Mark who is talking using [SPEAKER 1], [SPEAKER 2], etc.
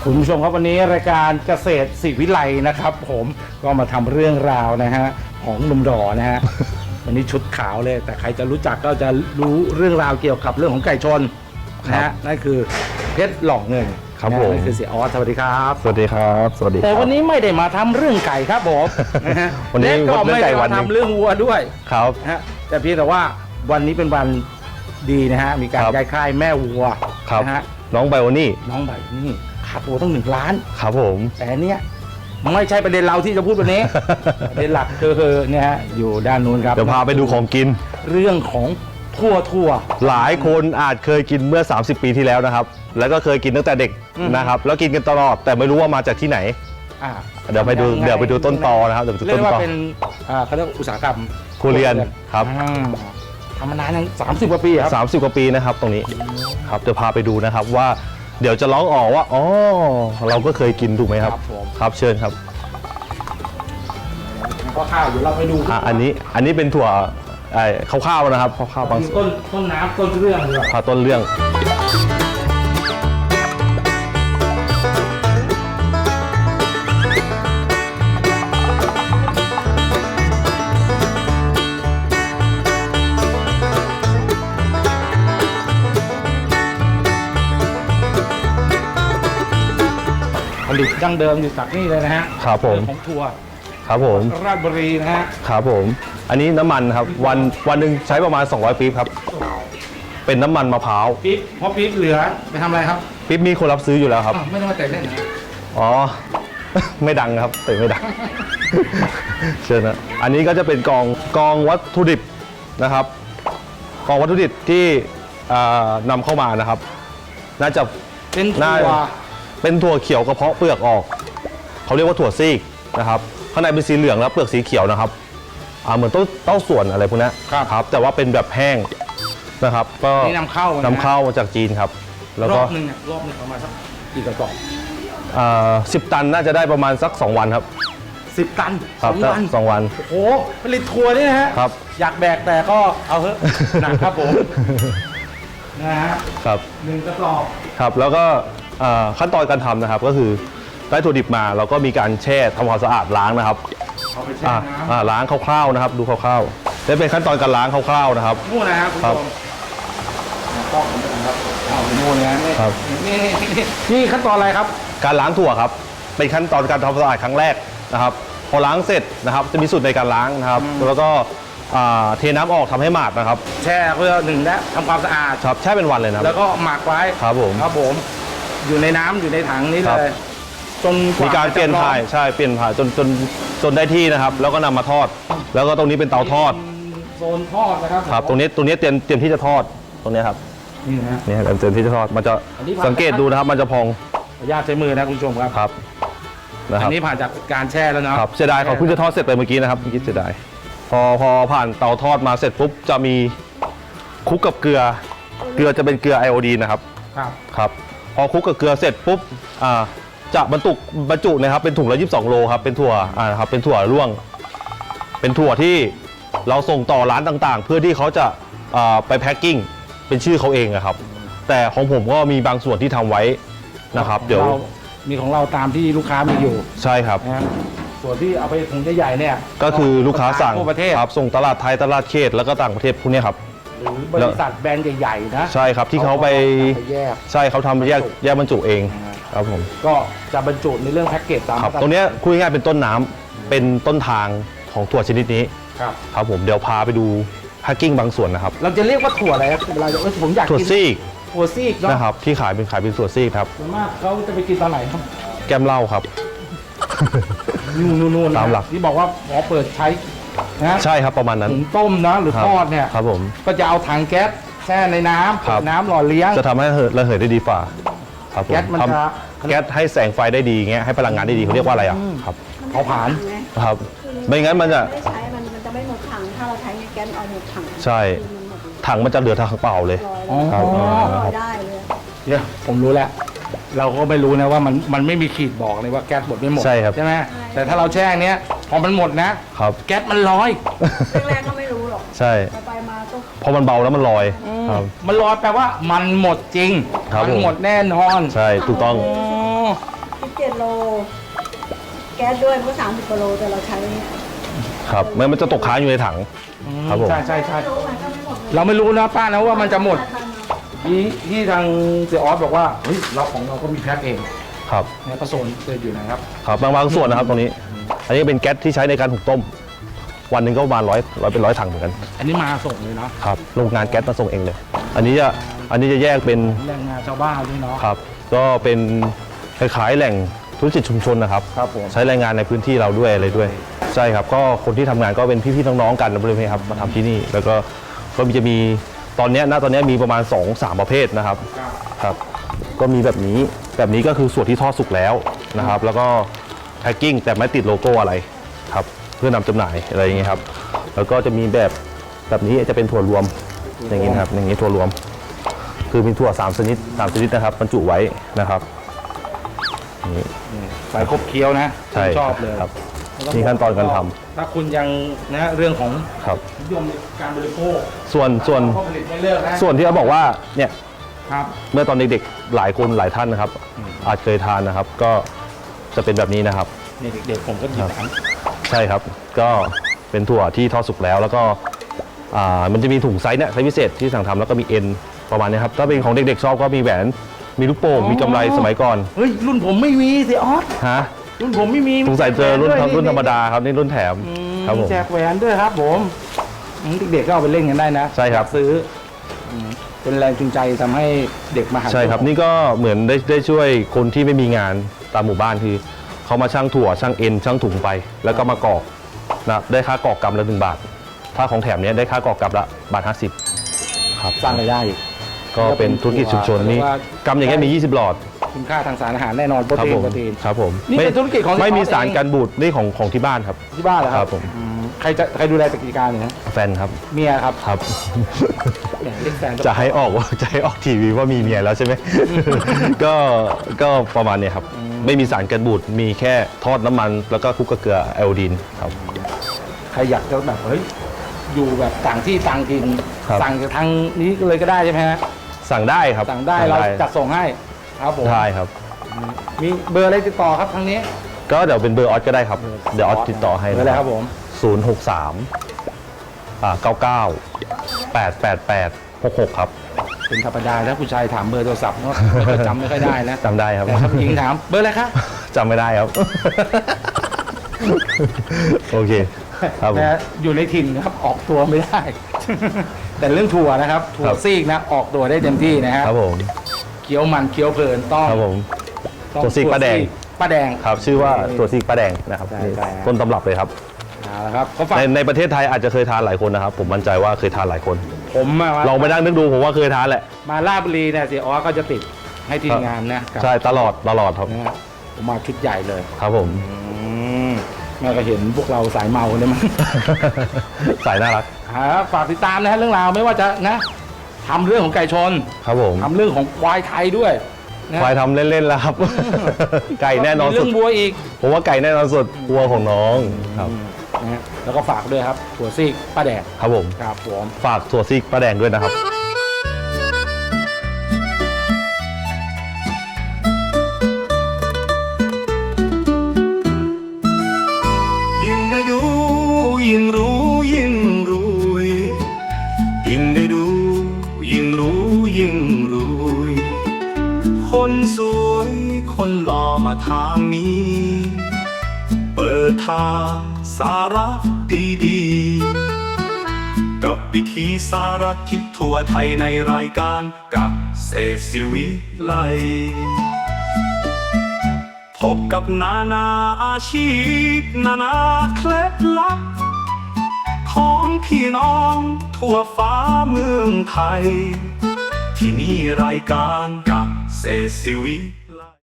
[SPEAKER 1] คุณผู้ชมครับวันนี้รายการเกษตรศิวิไลนะครับผมก็มาทำเรื่องราวนะฮะของหนุ่มดอนะฮะ วันนี้ชุดขาวเลยแต่ใครจะรู้จักก็จะรู้เรื่องราวเกี่ยวกับเรื่องของไก่ชนนะฮะนั่นคือเพชรหล่อเงินครับผมนั่นคือเสียออสสวัสดีครับ
[SPEAKER 2] สวัสดีครับสวัสดี
[SPEAKER 1] แต่วันนี้ไม่ได้มาทำเรื่องไก่ครับผมนะฮะ
[SPEAKER 2] วันนี้
[SPEAKER 1] ก็ไม่ได้มาทำเรื่องวัวด้วย
[SPEAKER 2] ครับ
[SPEAKER 1] นะฮะแต่เพียงแต่ว่าวันนี้เป็นวันดีนะฮะมีการย้ายค่ายแม่วัวนะฮะ
[SPEAKER 2] น้องไบโอนี่
[SPEAKER 1] น้องไบนี่ค่าตัวต้อง1 ล้าน
[SPEAKER 2] ครับผม
[SPEAKER 1] แต่เนี้ยไม่ใช่ประเด็นเราที่จะพูดวันนี้ ประเด็นหลักคือเนี่ยฮะอยู่ด้านนู้นครับ
[SPEAKER 2] เดี๋ยวพาไปดูของกิน
[SPEAKER 1] เรื่องของทั่ว
[SPEAKER 2] หลายคนอาจเคยกินเมื่อ30 ปีที่แล้วนะครับแล้วก็เคยกินตั้งแต่เด็กนะครับแล้วกินกันตลอดแต่ไม่รู้ว่ามาจากที่ไหนเดี๋ยวไปดูต้นตอนะครับเดี๋ยวไปดูต้นตอ
[SPEAKER 1] เรียกว่าเป็นเขาเรียกอุตสาหกรรม
[SPEAKER 2] ครัวเรือนครับ
[SPEAKER 1] ทำมานานยัง30 กว่าปีครับ
[SPEAKER 2] 30 กว่าปีนะครับตรงนี้ครับเดี๋ยวพาไปดูนะครับว่าเดี๋ยวจะร้องออกว่าอ๋อเราก็เคยกินถูกไหมครับครับเชิญครับ
[SPEAKER 1] ข้าวเดี๋ยวเราไปดู
[SPEAKER 2] อันนี้เป็นถั่วข้าวๆนะครับข้าวๆบาง
[SPEAKER 1] ต้นน้ำต้นเรื่องเลย
[SPEAKER 2] ต้นเรื่อง
[SPEAKER 1] ผลิตดั้งเดิมอยู่จากนี่เลยนะฮะ
[SPEAKER 2] ครับผม
[SPEAKER 1] ของทัวร์
[SPEAKER 2] ครับผม
[SPEAKER 1] ราชบุรีนะฮะ
[SPEAKER 2] ครับผมอันนี้น้ำมันครับวันหนึ่งใช้ประมาณ200 ปี๊บครับเป็นน้ำมันมะพร้าว
[SPEAKER 1] ปี๊บพอปี๊บเหลือไปทำอะไรครับ
[SPEAKER 2] ปี๊บมีคนรับซื้ออยู่แล้วครับ
[SPEAKER 1] ไม่ต้องมาแต่เล่นนะ
[SPEAKER 2] อ๋อ ไม่ดังครับแต่ไม่ดัง เชิญนะอันนี้ก็จะเป็นกองวัตถุดิบนะครับกองวัตถุดิบที่นำเข้ามานะครับน่าจะเป็นถั่วเขียวกระเพาะเปลือกออกเขาเรียกว่าถั่วซีกนะครับข้างในเป็นสีเหลืองแล้วเปลือกสีเขียวนะครับเหมือนเต้าส่วนอะไรพวกนี้ครับแต่ว่าเป็นแบบแห้งนะครับก็
[SPEAKER 1] นำเข้า
[SPEAKER 2] มาจากจีนครับ
[SPEAKER 1] แล้วก็รอบนึงประมาณสักกี่กระสอบ
[SPEAKER 2] 10 ตันน่าจะได้ประมาณสัก2 วันครับ
[SPEAKER 1] 10 ตัน
[SPEAKER 2] 2 วัน
[SPEAKER 1] โอ้โหผลิตทัวร์นี่นะฮะอยากแบกแต่ก็เอาเถอะหนักครับผมนะฮะ
[SPEAKER 2] ครับ
[SPEAKER 1] 1 กระสอบ
[SPEAKER 2] ครับแล้วก็ขั้นตอนการทำนะครับก็คือได้ถั่วดิบมาเราก็มีการแช่ทำความสะอาดล้างนะครับล้างคร่าวๆนะครับดูคร่าวๆนี่เป็นขั้นตอนการล้างคร่าวๆนะครับ
[SPEAKER 1] นู่นนะครับคุณผู้ชมต้องครับนู่นนะครับนี่ขั้นตอนอะไรครับ
[SPEAKER 2] การล้างถั่วครับเป็นขั้นตอนการทำความสะอาดครั้งแรกนะครับพอล้างเสร็จนะครับจะมีสูตรในการล้างนะครับแล้วก็เทน้ำออกทำให้หมาดนะครับ
[SPEAKER 1] แช่เพื่อ1และทำความสะอาด
[SPEAKER 2] ครับแช่เป็นวันเลยนะ
[SPEAKER 1] แล้วก็หมักไว้
[SPEAKER 2] ครับผม
[SPEAKER 1] อยู่ในน้ำอยู่ในถังนี้เลยจน
[SPEAKER 2] มีการเปลี่ยนถ่ายใช่เปลี่ยนถ่ายจนได้ที่นะครับแล้วก็นำมาทอดแล้วก็ตรงนี้เป็นเตาทอด
[SPEAKER 1] โซนทอดนะครับ
[SPEAKER 2] ครับตรงนี้เตรียมที่จะทอดตรงนี้ครับนี่ครับเตรียมที่จะทอดมันจะสังเกตดูนะครับมันจะพอง
[SPEAKER 1] ญาติใช้มือนะคุณผู้ชมครับ
[SPEAKER 2] ครับ
[SPEAKER 1] อันนี้ผ่านจากการแช่แล้วนะครับ
[SPEAKER 2] เสียดายเขาเพิ่งจะทอดเสร็จไปเมื่อกี้นะครับเมื่อกี้เสียดายพอผ่านเตาทอดมาเสร็จปุ๊บจะมีคลุกกับเกลือจะเป็นเกลือไอโอดีนนะครับครับพอคลุกกับเกลือเสร็จปุ๊บจะบรรจุนะครับเป็นถุงละ22 โลครับเป็นถั่วครับเป็นถั่วร่วงเป็นถั่วที่เราส่งต่อร้านต่างๆเพื่อที่เขาจะไปแพ็คกิ้งเป็นชื่อเขาเองครับแต่ของผมก็มีบางส่วนที่ทำไว้นะครับเดี๋ยว
[SPEAKER 1] มีของเราตามที่ลูกค้ามีอยู่
[SPEAKER 2] ใช่ครับ
[SPEAKER 1] ส่วนที่เอาไปถุงใหญ่ๆเนี่ย
[SPEAKER 2] ก็คือลูกค้าสั่ง
[SPEAKER 1] ทั่วประเทศ
[SPEAKER 2] ครับส่งตลาดไทยตลาดเขตแล้วก็ต่างประเทศพวกนี้ครับ
[SPEAKER 1] หรือบริษัทแบรนด์ใหญ่ๆนะ
[SPEAKER 2] ใช่ครับที่เขาไปใช่เขาทำแยกบรรจุเองครับผม
[SPEAKER 1] ก็จะบรรจุในเรื่องแพ็กเกจตาม
[SPEAKER 2] ตรงนี้คุยง่ายเป็นต้นน้ำเป็นต้นทางของถั่วชนิดนี้ครับผมเดี๋ยวพาไปดูแพ็กกิ้งบางส่วนนะครับ
[SPEAKER 1] เราจะเรียกว่าถั่วอะไรครับเวลาผมอยากกิน
[SPEAKER 2] ถั่วซีก
[SPEAKER 1] นะครับ
[SPEAKER 2] ที่ขายเป็นถั่วซีกครับ
[SPEAKER 1] ส่วนมากเขาจะไปกินตอนไหนครับ
[SPEAKER 2] แก้มเหล้าครับ
[SPEAKER 1] นู่น
[SPEAKER 2] ตามหลัก
[SPEAKER 1] ที่บอกว่าพอเปิดใช้
[SPEAKER 2] นะใช่ครับประมาณนั้น
[SPEAKER 1] ถุงต้มนะหรือทอดเนี่ย
[SPEAKER 2] ครับผม
[SPEAKER 1] ก็จะเอาถังแก๊สแช่ในน้ำหล่อเลี้ยง
[SPEAKER 2] จะทำให้ระเหยได้ดีฝ่าครับผม
[SPEAKER 1] แก๊สมันจะ
[SPEAKER 2] แก๊สให้แสงไฟได้ดีเงี้ยให้พลังงานได้ดีเขาเรียกว่าอะไรครับ
[SPEAKER 1] เผาผลาญ
[SPEAKER 2] ครับไม่งั้นมันจะ
[SPEAKER 3] จะไม่หมดถังถ้าเราใช้แก๊สเอาหมดถัง
[SPEAKER 2] ใช่ถังมันจะเหลือถังเปล่าเลย
[SPEAKER 3] ครับได้เลย
[SPEAKER 1] เนี่ยผมรู้แล้วเราก็ไม่รู้นะว่ามันไม่มีขีดบอกเลยว่าแก๊สหมดไม่หมด
[SPEAKER 2] ใช่ครับ
[SPEAKER 1] ใช่ไหมแต่ถ้าเราแช่เนี้ยพอมันหมดนะครับแก๊สมันลอย
[SPEAKER 3] แรกๆก็ไม่รู้หรอก
[SPEAKER 2] ใช่
[SPEAKER 3] ไปมาก็
[SPEAKER 2] พอมันเบาแล้วมันลอย
[SPEAKER 1] มันลอยแปลว่ามันหมดจริงมันหมดแน่นอน
[SPEAKER 2] ใช่ถูกต้อง
[SPEAKER 3] โลแก๊สด้วยมันก็30กิโลแต่เราใช้
[SPEAKER 2] ครับมันจะตกค้างอยู่ในถัง ครับผม
[SPEAKER 1] ใช่ใช่ใช่
[SPEAKER 3] ไม่รู้มันก็ไม่หมดเลย
[SPEAKER 1] เราไม่รู้นะป้านะว่ามันจะหมดที่ทางเสียออสบอกว่าเฮ้ยเราของเราก็มีแพ็คเอง
[SPEAKER 2] ครับ
[SPEAKER 1] เนี่ยกระโซนเจออยู่นะครับ
[SPEAKER 2] ครับบางส่วนนะครับตรงนี้ อันนี้เป็นแก๊สที่ใช้ในการหุงต้ม วันหนึ่งก็ประมาณเป็นร้อยถังเหมือนกัน
[SPEAKER 1] อันนี้มาส่งเลยเนาะ
[SPEAKER 2] ครับโรงงานแก๊สมาส่งเองเลย อันนี้จะแยกเป็น
[SPEAKER 1] แรงงานชาวบ้านด้วยเนาะ
[SPEAKER 2] ครับก็เป็นคล้ายๆแหล่งธุรกิจชุมชนนะครับ
[SPEAKER 1] ครับผม
[SPEAKER 2] ใช้แรงงานในพื้นที่เราด้วยอะไรด้วยใช่ครับก็คนที่ทำงานก็เป็นพี่ๆน้องๆกันบริเวณครับมาทำที่นี่แล้วก็จะมีตอนเนี้ยมีประมาณ 2-3 ประเภทนะครับครับก็มีแบบนี้ก็คือส่วนที่ทอดสุกแล้วนะครับแล้วก็แพ็คกิ้งแต่ไม่ติดโลโก้อะไรครับเพื่อนำจำหน่ายอะไรอย่างเงี้ยครับแล้วก็จะมีแบบนี้จะเป็นถั่วรวมอย่างงี้นะครับอย่างงี้ถั่วรวม คือมีถั่ว3ชนิดนะครับบรรจุไว้นะครับนี่
[SPEAKER 1] ใส่ครบเคี้ยวนะ
[SPEAKER 2] ใช่
[SPEAKER 1] ชอบเลย
[SPEAKER 2] ครับนี่ขั้นตอนการทำ
[SPEAKER 1] ถ้าคุณยังนะเรื่องของ
[SPEAKER 2] ครับ
[SPEAKER 1] นิยมในการบริโภค
[SPEAKER 2] ส่วน
[SPEAKER 1] ก็ผลิตไม่เลิกนะ
[SPEAKER 2] ส่วนที่เขาบอกว่าเนี่ย
[SPEAKER 1] ครับ
[SPEAKER 2] เมื่อตอนเด็กๆหลายคนหลายท่านนะครับ อาจเคยทานนะครับ ก็จะเป็นแบบนี้นะครับ
[SPEAKER 1] นี่เด็กๆผมก็หยิบอัน
[SPEAKER 2] ใช่ครับก็เป็นถั่วที่ทอดสุกแล้วแล้วก็มันจะมีถุงไซส์เนี่ยไซส์พิเศษที่สั่งทำแล้วก็มีเอ็นประมาณนี้ครับถ้าเป็นของเด็กๆชอบก็มีแหวนมีลูกโป่งมีกำไรสมัยก่อน
[SPEAKER 1] เฮ้ยรุ่นผมไม่มีสิออส
[SPEAKER 2] ฮะ
[SPEAKER 1] รุ่นผมไม่มี
[SPEAKER 2] สงสัยเจอรุ่น
[SPEAKER 1] ด้วย
[SPEAKER 2] ธรรมดาครับนี่รุ่นแถมครับผม
[SPEAKER 1] แจกแหวนด้วยครับผมเด็กๆก็เอาไปเล่นกันได้นะ
[SPEAKER 2] ใช่ครับ
[SPEAKER 1] อยากซื้อเป็นแรงจูงใจทำให้เด็กมาหา
[SPEAKER 2] ใช่ครับนี่ก็เหมือนได้ช่วยคนที่ไม่มีงานตามหมู่บ้านคือเขามาช่างถั่วช่างเอ็นช่างถุงไป แล้วก็มากรอกนะได้ค่ากรอกกำละ1 บาท ถ้าของแถมเนี้ยได้ค่ากรอกกำละ1.50 ครับ
[SPEAKER 1] สร้างรายได้อีก
[SPEAKER 2] ก็เป็นธุรกิจชุมชนนี่
[SPEAKER 1] เรียกว่า
[SPEAKER 2] กำอย่างเงี้ยมี20 หลอด
[SPEAKER 1] คุณค่าทางสารอาหารแน่นอนโปร
[SPEAKER 2] ครับ
[SPEAKER 1] ตีน
[SPEAKER 2] ผม
[SPEAKER 1] โปรตีน
[SPEAKER 2] ครับผม
[SPEAKER 1] นี่เป็นธุรกิจของ
[SPEAKER 2] ไม่มี
[SPEAKER 1] เฉพาะ
[SPEAKER 2] สาร
[SPEAKER 1] เอง
[SPEAKER 2] กันบูดนี่ของที่บ้านครับ
[SPEAKER 1] ที่บ้านเหรอค
[SPEAKER 2] ครั
[SPEAKER 1] รับบ
[SPEAKER 2] ผม
[SPEAKER 1] ใครดูแลกิจการเนี่ยนะ
[SPEAKER 2] แฟนครับ
[SPEAKER 1] เมียครับ
[SPEAKER 2] ครับ
[SPEAKER 1] เนี่ยเรียกแฟน
[SPEAKER 2] จะให้ออกทีวีว่ามีเมียแล้วใช่ไหม ก็ประมาณเนี้ยครับ ไม่มีสารกันบูดมีแค่ทอดน้ำมันแล้วก็คลุกกับเกลือไอโอดีนครับ
[SPEAKER 1] ใครอยากจะแบบเฮ้ยอยู่แบบต่างที่ต่างถิ่น
[SPEAKER 2] ครับ
[SPEAKER 1] สั่งจากทางนี้เลยก็ได้ใช่ไหมฮะ
[SPEAKER 2] สั่งได้ครับ
[SPEAKER 1] สั่งได้เราจัดส่งให้ครับผม
[SPEAKER 2] ได้ครับ
[SPEAKER 1] มีเบอร์อะไรติดต่อครับทางนี้
[SPEAKER 2] ก็เดี๋ยวเป็นเบอร์ออสก็ได้ครับ เดี๋ยวออสติดต่อให้
[SPEAKER 1] เบอร์อะไรครับผม
[SPEAKER 2] 063 9988866 ครับ
[SPEAKER 1] เป็นธรรมดาถ้าผู้ชายถามเบอร์โทรศัพท์เนาะก็จำไม่ค่อยได้นะ
[SPEAKER 2] จำได้ครับ
[SPEAKER 1] แต่ถ้าผู้หญิงถามเบอร์อะไรคะ
[SPEAKER 2] จำไม่ได้ครับ โอเคครับผม
[SPEAKER 1] แต่อยู่ในถิ่นนะครับออกตัวไม่ได้ แต่เรื่องถั่วนะครับถั่ว
[SPEAKER 2] ครับ
[SPEAKER 1] ซีกนะออกตัวได้เต็มที่นะฮะ
[SPEAKER 2] ครับผม
[SPEAKER 1] เคี้ยวมันเคี้ยวเพลินต้อง
[SPEAKER 2] ครับผม
[SPEAKER 1] ต้อง
[SPEAKER 2] ถั่วซีกป้าแดง
[SPEAKER 1] ป้าแดง
[SPEAKER 2] ครับชื่อว่าตัวซีกป้าแดงนะครับ
[SPEAKER 1] ใช่ใช่ครับ
[SPEAKER 2] ต้นตำรับเลยครับ
[SPEAKER 1] เอาละครับเขาฝาก
[SPEAKER 2] ในประเทศไทยอาจจะเคยทานหลายคนนะครับ ผมมั่นใจว่าเคยทานหลายคน
[SPEAKER 1] ผมมา
[SPEAKER 2] ลองไปนั่งนึกดูผมว่าเคยทานแหละ
[SPEAKER 1] มาลาดบุรีเนี่ยเสียออสก็จะติดให้ทีมงานนะกับ
[SPEAKER 2] ใช่ตลอดครับ
[SPEAKER 1] นะฮะผมมาชุดใหญ่เลย
[SPEAKER 2] ครับผม
[SPEAKER 1] แม่ก็เห็นพวกเราสายเมาเนี่ยมั้ง
[SPEAKER 2] สายน่ารัก
[SPEAKER 1] ฝากติดตามนะฮะเรื่องราวไม่ว่าจะนะทำเรื่องของไก่ชน
[SPEAKER 2] ครับผม
[SPEAKER 1] ทำเรื่องของควายไทยด้วยนะ
[SPEAKER 2] ควายทำเล่นๆแล้วครับ ไก่แน่นอน
[SPEAKER 1] มี
[SPEAKER 2] สุ
[SPEAKER 1] เรื่
[SPEAKER 2] ด
[SPEAKER 1] องบัวอีก
[SPEAKER 2] ผมว่าไก่แน่นอนสุดวัวของน้องครับ
[SPEAKER 1] นะฮะแล้วก็ฝากด้วยครับถั่วซีกป้าแดง
[SPEAKER 2] ครับผม
[SPEAKER 1] ครับผม
[SPEAKER 2] ฝากถั่วซีกป้าแดงด้วยนะครับ
[SPEAKER 4] ยิ่งได้ดูยิ่งรู้ยิ่งรวยยิ่งได้ดูยิ่งรู้ยิ่งรวยคนสวยคนหล่อมาทางนี้ เปิดทางสาระดีๆกับวิธีสารทิศทั่วไทยในรายการกับเศรษฐวิไลพบกับนานาอาชีพนานาเคล็ดลับของพี่น้องทั่วฟ้าเมืองไทย ที่นี่รายการกับเศรษฐวิ